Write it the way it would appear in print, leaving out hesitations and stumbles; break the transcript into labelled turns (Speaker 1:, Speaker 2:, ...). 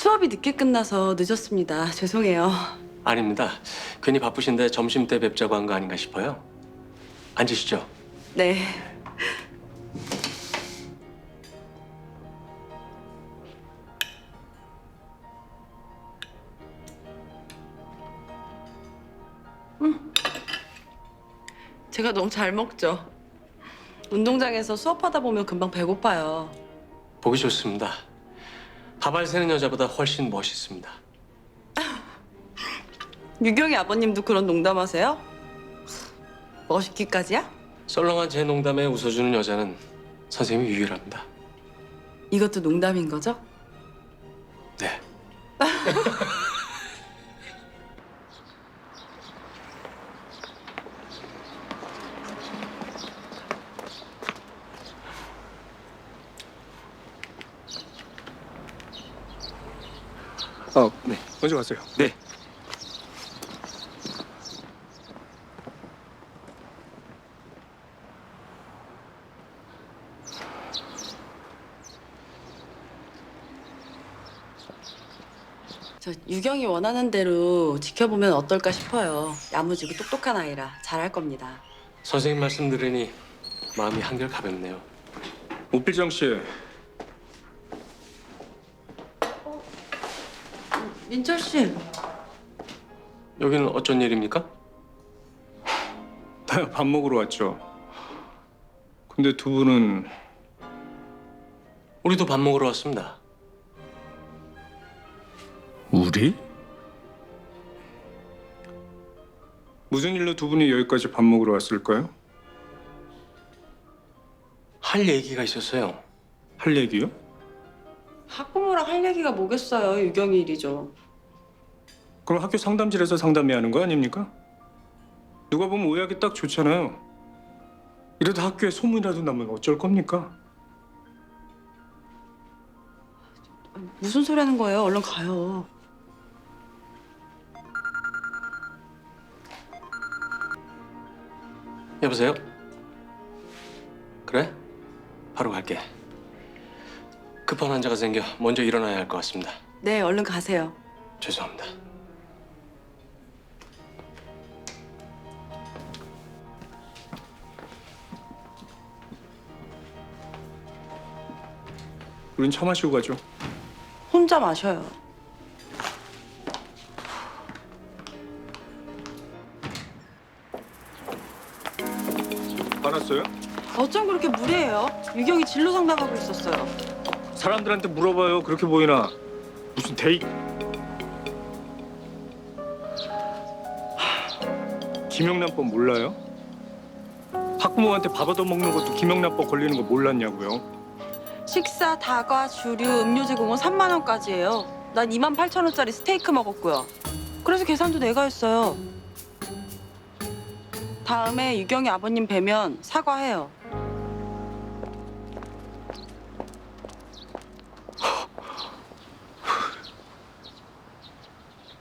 Speaker 1: 수업이 늦게 끝나서 늦었습니다. 죄송해요.
Speaker 2: 아닙니다. 괜히 바쁘신데 점심 때 뵙자고 한 거 아닌가 싶어요. 앉으시죠.
Speaker 1: 네. 제가 너무 잘 먹죠. 운동장에서 수업하다 보면 금방 배고파요.
Speaker 2: 보기 좋습니다. 가발 세는 여자보다 훨씬 멋있습니다.
Speaker 1: 유경이 아버님도 그런 농담하세요? 멋있기까지야?
Speaker 2: 썰렁한 제 농담에 웃어주는 여자는 선생님이 유일합니다.
Speaker 1: 이것도 농담인 거죠?
Speaker 2: 네.
Speaker 3: 네. 먼저 가세요.
Speaker 2: 네.
Speaker 1: 저 유경이 원하는 대로 지켜보면 어떨까 싶어요. 야무지고 똑똑한 아이라 잘할 겁니다.
Speaker 2: 선생님 말씀 들으니 마음이 한결 가볍네요.
Speaker 3: 오필정 씨,
Speaker 1: 민철 씨.
Speaker 2: 여기는 어쩐 일입니까?
Speaker 3: 나 밥 먹으러 왔죠. 근데 두 분은
Speaker 2: 우리도 밥 먹으러 왔습니다.
Speaker 3: 우리? 무슨 일로 두 분이 여기까지 밥 먹으러 왔을까요?
Speaker 2: 할 얘기가 있었어요.
Speaker 3: 할 얘기요?
Speaker 1: 학부모랑 할 얘기가 뭐겠어요. 유경이 일이죠.
Speaker 3: 그럼 학교 상담실에서 상담해야 하는 거 아닙니까? 누가 보면 오해하기 딱 좋잖아요. 이러다 학교에 소문이라도 나면 어쩔 겁니까?
Speaker 1: 무슨 소리 하는 거예요? 얼른 가요.
Speaker 2: 여보세요? 그래? 바로 갈게. 급한 환자가 생겨 먼저 일어나야 할 것 같습니다.
Speaker 1: 네, 얼른 가세요.
Speaker 2: 죄송합니다.
Speaker 3: 우린 차 마시고 가죠.
Speaker 1: 혼자 마셔요.
Speaker 3: 알았어요?
Speaker 1: 어쩜 그렇게 무례해요? 유경이 진로 상담하고 있었어요.
Speaker 3: 사람들한테 물어봐요. 그렇게 보이나? 무슨 데이? 김영란법 몰라요? 학부모한테 밥 얻어먹는 것도 김영란법 걸리는 거 몰랐냐고요?
Speaker 1: 식사, 다과, 주류, 음료 제공은 3만 원까지예요. 난 2만 8천 원짜리 스테이크 먹었고요. 그래서 계산도 내가 했어요. 다음에 유경이 아버님 뵈면 사과해요.